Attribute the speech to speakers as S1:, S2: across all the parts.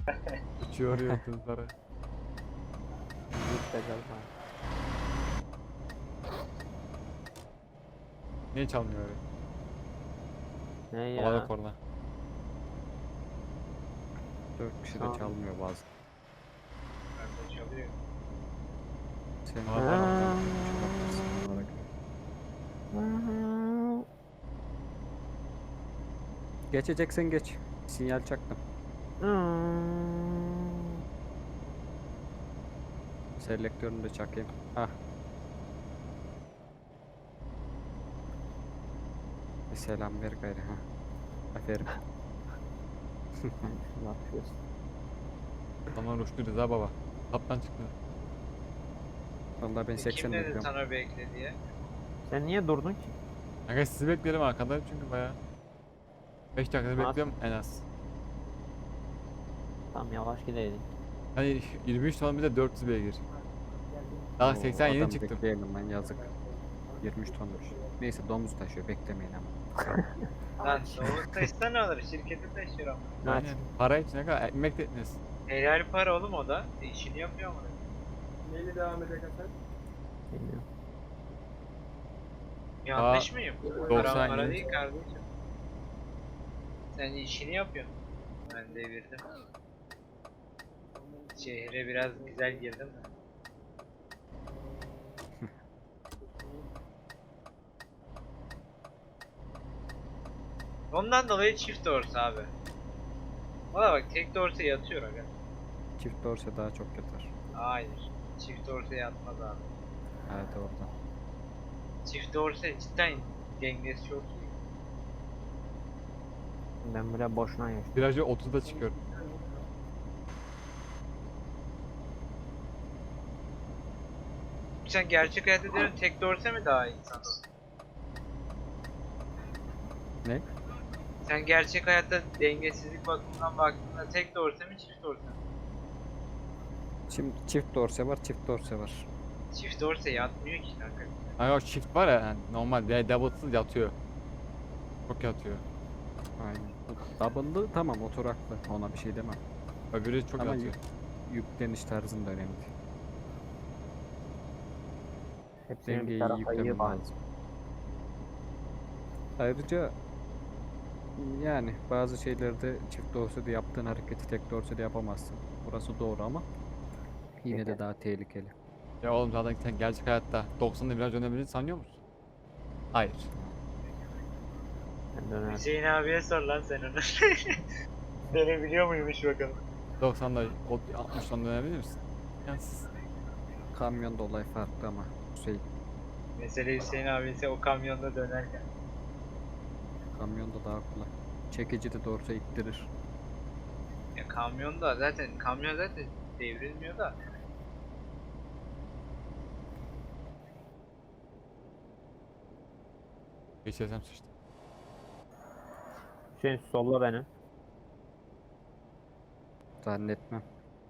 S1: Uçuyor yıldızlara.
S2: Git de gel.
S1: Niye çalmıyor öyle?
S2: Ne
S1: Havada
S2: ya?
S1: korna.
S3: 4 kişi de
S2: Tamam.
S3: çalmıyor bazen.
S4: Bende çalıyor.
S3: Sen
S1: Aa,
S3: de
S1: tamam.
S3: çalabilirsin onlara göre. Geçeceksen geç. Sinyal çaktım. Selektörünü de çakayım. Ah. Bir selam ver gayrı ha. Aferin.
S2: Ne yapıyorsun?
S1: Zaman uçtu Rıza baba. Kaptan çıktı.
S3: Vallahi ben 80
S4: Kim dedi
S3: bekliyorum.
S4: sana bekle diye?
S2: Sen niye durdun ki?
S1: Kanka sizi beklerim arkada çünkü baya 5 dakikada
S2: Nasıl?
S1: bekliyorum en az.
S2: Tam yavaş gideydin.
S1: Hani 23 ton bir de 400 beygir. Daha
S3: Oo,
S1: 80 yeni
S3: adam
S1: çıktım.
S3: bekleyelim lan yazık. 23 tonmuş. Neyse domuz taşıyor beklemeyin ama.
S4: Lan Davut taşısa ne olur? Şirketi taşıyor ama.
S2: Aç.
S1: Aynen. Para için ne kadar ekmek de etmez.
S4: Helal para oğlum o da. İşini yapıyor mu?
S5: Neyle devam edecek Hasan?
S2: Bilmiyorum.
S4: Yanlış mıyım? Para
S1: 90
S4: para
S1: yeni.
S4: değil kardeşim. Sen işini yapıyorsun. Ben devirdim. Şehre biraz güzel girdim de. Ondan dolayı çift dorsa abi. Valla bak tek dorsa yatıyor aga.
S3: Çift dorse daha çok yatar.
S4: Hayır. Çift dorsa yatmaz abi.
S3: Evet orada.
S4: Çift dorsa cidden dengesi çok iyi.
S2: Ben bile boşuna yaşadım.
S1: Virajı 30'da çıkıyorum.
S4: Sen gerçek hayatta diyorum tek dorsa mı daha iyi sana?
S3: Ne?
S4: Sen gerçek hayatta dengesizlik bakımından baktığında tek dorsa mı çift dorsa mı?
S3: Şimdi çift dorse var, çift dorse var.
S4: Çift dorsa yatmıyor ki kanka.
S1: Hani o shift var ya yani normal double'sız yatıyor. Çok yatıyor.
S3: Aynen. Double'lı tamam oturaklı. Ona bir şey demem.
S1: Öbürü çok
S3: Ama
S1: yatıyor.
S3: yükleniş tarzın da önemli.
S2: Hepsinin bir
S3: Dengeyi iyi
S2: tarafa iyi
S3: yüklemen
S2: var.
S3: lazım. Ayrıca yani bazı şeylerde çift dorsede yaptığın hareketi tek dorsede yapamazsın. Burası doğru ama yine de daha tehlikeli.
S1: Ya oğlum zaten sen gerçek hayatta 90'da viraj dönebileceğini sanıyor musun? Hayır.
S2: Ben döner.
S4: Hüseyin abiye sor lan sen onu. Dönebiliyor muymuş bakalım.
S1: 90'da 60'dan dönebilir misin? Yansız.
S3: Kamyonda olay farklı ama şey
S4: Mesele Hüseyin abi ise o kamyonda dönerken.
S3: kamyonda daha kolay. Çekici de dorsa ittirir.
S4: Ya kamyon zaten devrilmiyor da.
S1: Geçersem sıçtı.
S2: Hüseyin solla beni.
S3: Zannetmem.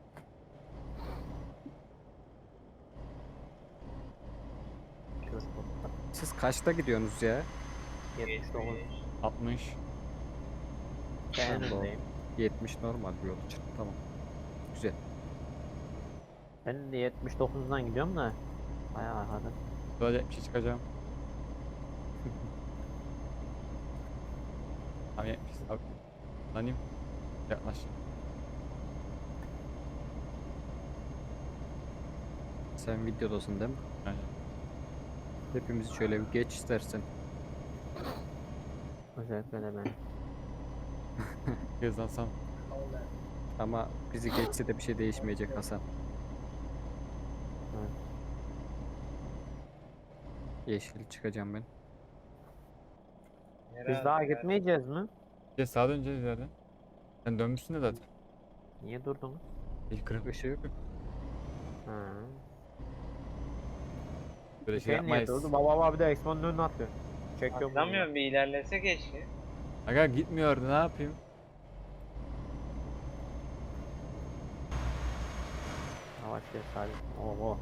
S3: Siz kaçta gidiyorsunuz ya?
S2: 79.
S1: 60.
S2: Ben
S3: Doğru.
S2: öndeyim.
S3: 70 normal bir yol için. Tamam. Güzel.
S2: Ben de 79'dan gidiyorum da. Bayağı arkada.
S1: Böyle 70'e çıkacağım. Tamam 70. Abi. Lanayım. Yaklaş.
S3: Sen videodasın değil mi?
S1: Yani.
S3: Hepimizi şöyle bir geç istersen.
S2: Özellikle de ben.
S1: Hızlansam.
S3: Ama bizi geçse de bir şey değişmeyecek Hasan.
S2: Evet.
S3: Yeşil çıkacağım ben.
S2: Biz daha gitmeyeceğiz mi?
S1: Bir de sağa döneceğiz ileriden. Sen dönmüşsün de zaten.
S2: Niye durdunuz?
S1: İlk kırık
S3: Işığı
S2: Ha.
S1: böyle şey
S2: Hüseyin niye
S1: yapmayız.
S2: durdu? Baba abi de Expo'nun önüne atıyor. Çekiyorum bunu.
S4: Atlamıyorum bir ilerlese keşke.
S1: Aga gitmiyordu ne yapayım?
S2: Yavaş gel Salih. Oho.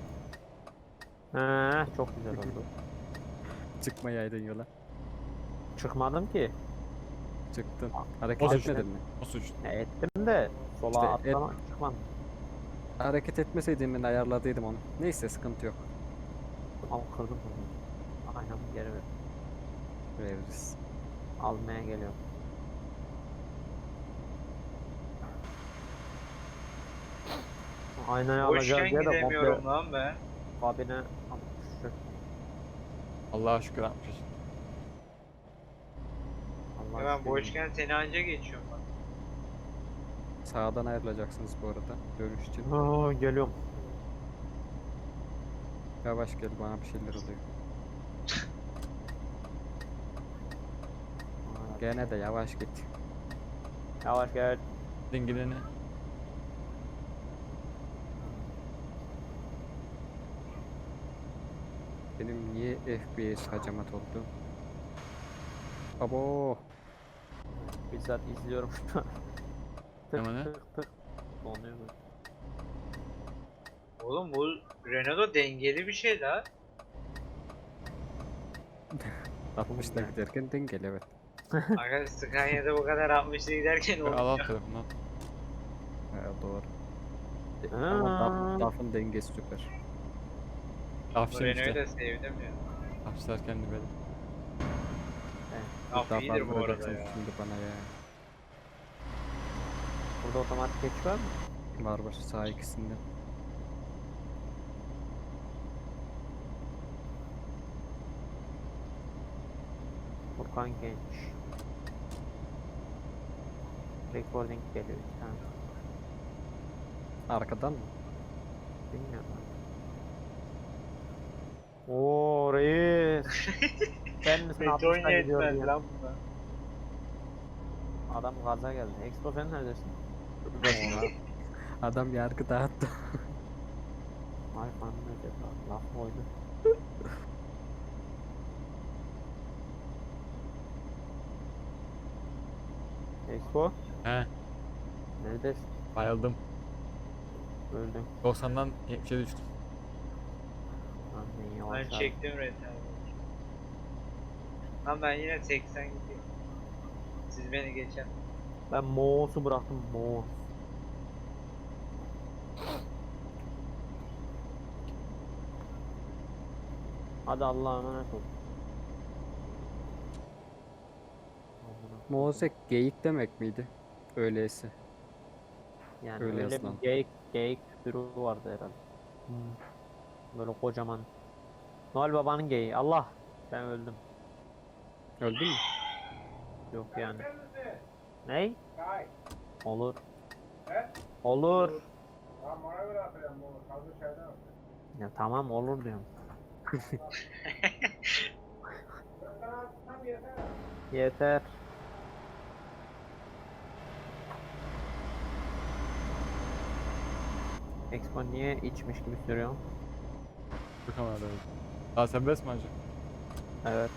S2: Çok güzel oldu.
S3: çıkmayaydın yola.
S2: Çıkmadım ki.
S3: Çıktın.
S2: O
S3: Hareket
S2: suç
S3: etmedin mi?
S1: O suç.
S2: Ettim de sola
S3: İşte
S2: atlama çıkmadım.
S3: Hareket etmeseydin ben ayarladıydım onu. Neyse sıkıntı yok.
S2: Al kırdım bunu. Aynamı geri ver.
S3: Veririz.
S2: Almaya geliyorum. Aynayı alacağız
S4: Boşken
S2: diye de komple
S4: gidemiyorum lan ben.
S2: kabine almıştır.
S1: Allah'a şükür atmış.
S2: Allah
S4: Ya ben
S2: şükür.
S4: boşken seni anca geçiyorum bak.
S3: Sağdan ayrılacaksınız bu arada. Dönüş için.
S2: Aa, geliyorum.
S3: Yavaş gel bana bir şeyler oluyor. Gene de yavaş git.
S2: Yavaş gel.
S1: Dingilini.
S3: Benim niye FPS hacamat oldu? Abo.
S2: Bizzat izliyorum şu an. Tık
S1: Hemen he?
S2: tık tık. Donuyor mu?
S4: Oğlum bu Renault dengeli bir şey la.
S3: 60'la giderken dengel evet.
S4: Aga Scania'da bu kadar 60'la giderken
S1: Al al
S4: olmuyor.
S1: tarafından.
S3: Doğru.
S2: Ha.
S3: Ama DAF'ın dengesi süper.
S4: Bu
S1: Afşin
S4: Renault'u
S1: işte.
S4: da sevdim ya.
S1: Afşinler kendi böyle.
S4: Af iyidir bu arada
S3: vuracaksın
S4: ya.
S3: şimdi bana ya.
S2: Burada otomatik geçiş var mı?
S3: Var var sağ ikisinde.
S2: Furkan Genç. Recording geliyor bir tane.
S3: Arkadan mı?
S2: Bilmiyorum. Oo reis. Sen misin
S4: Beton
S2: 60'a gidiyor
S4: yetmez
S2: diye.
S4: lan buna.
S2: Adam gaza geldi. Expo sen neredesin?
S3: Adam yargı dağıttı.
S2: Ay falan ne dedi? Laf mı oydu? Expo
S1: He.
S2: neredesin?
S1: Bayıldım.
S2: Öldüm.
S1: 90'dan 70'e düştüm.
S2: Lan ne
S4: Ben
S2: yavaş abi.
S4: çektim retardı. Lan ben yine 80 gidiyorum. Siz beni geçen.
S2: Ben Moğol'su bıraktım Moğol. Hadi Allah'a emanet ol.
S3: Mozek geyik demek miydi? Öyleyse.
S2: Yani
S3: öyle
S2: öyle
S3: yazılan.
S2: bir geyik türü vardı herhalde. Böyle kocaman. Noel Baba'nın geyiği. Allah! Ben öldüm.
S3: Öldün mü?
S2: Yok yani.
S5: Sen misin?
S2: Ney?
S5: Kay.
S2: Olur.
S5: He?
S2: Olur.
S5: Tamam ona göre atacağım bunu. Kaldır şeyden atacağım.
S2: Ya tamam olur diyorum.
S5: Ben sana atsam yeter.
S2: Yeter. Expo niye içmiş gibi sürüyor?
S1: Bu kamerada öyle. Daha serbest mi acı?
S2: Evet.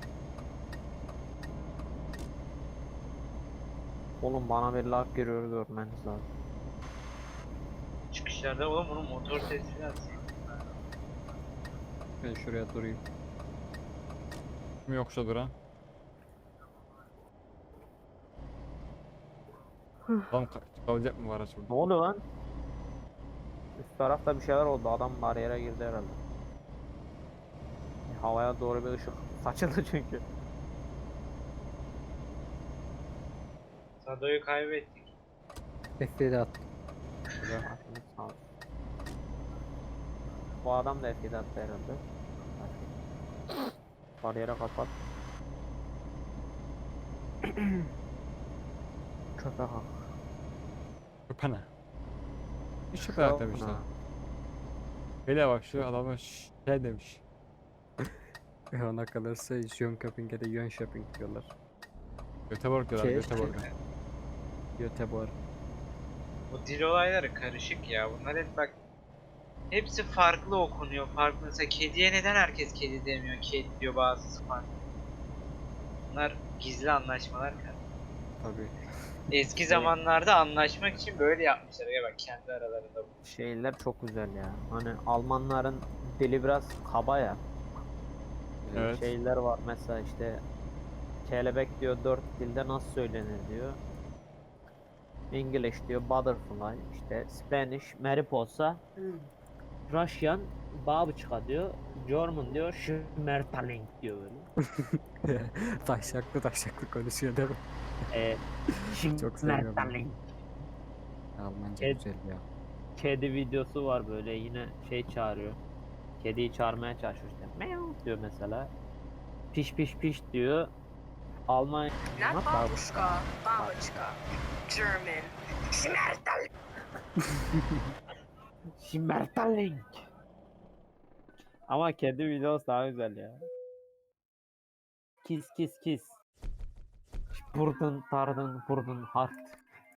S2: Oğlum bana bir lag giriyor görmeniz lazım.
S4: Çıkışlarda oğlum bunun motor sesini atsın.
S3: Ben şuraya durayım.
S1: Kim yoksa duran? Lan kalacak mı var araç burada?
S2: Ne oluyor lan? Üst tarafta bir şeyler oldu. Adam bariyere girdi herhalde. Havaya doğru bir ışık saçıldı çünkü.
S4: Sado'yu kaybettik.
S3: F7 attım.
S2: Aklınız sağ olsun. Bu adam da F7 attı herhalde. Bariyere kapat. Köpek hak.
S1: Köpene. Hiç köpek demişler. Hele bak şu adama şey demiş.
S3: Ona kalırsa Jönköping'e de Jönköping diyorlar.
S1: Göteborg diyorlar
S3: Şey-
S1: Göteborg.
S3: Göteborg.
S4: Bu dil olayları karışık ya. Bunlar hep bak. Hepsi farklı okunuyor. Farklı. Mesela kediye neden herkes kedi demiyor? Kedi diyor bazısı farklı. Bunlar gizli anlaşmalar kanka.
S3: Tabii.
S4: Eski zamanlarda anlaşmak için böyle yapmışlar. Ya bak kendi aralarında bu.
S2: Şeyler çok güzel ya. Hani Almanların dili biraz kaba ya.
S1: Evet.
S2: Şeyler var mesela işte kelebek diyor 4 dilde nasıl söylenir diyor. English diyor butterfly, işte Spanish mariposa, Russian babuçka diyor. German diyor Schmetterling diyor böyle.
S3: Taşaklı konuşuyor değil mi? Çok seviyorum.
S2: Schmetterling.
S3: Almanca
S2: Evet.
S3: güzel ya.
S2: Kedi videosu var böyle, yine şey çağırıyor. Kediyi çağırmaya çalışıyor işte. Meow diyor mesela. Piş piş piş diyor. Alman
S6: Not babushka, babushka. German. Schmetterling.
S2: Schmetterling. Ama kedi videosu daha güzel ya. Kiss kiss kiss. Burdun tardın burdun hart.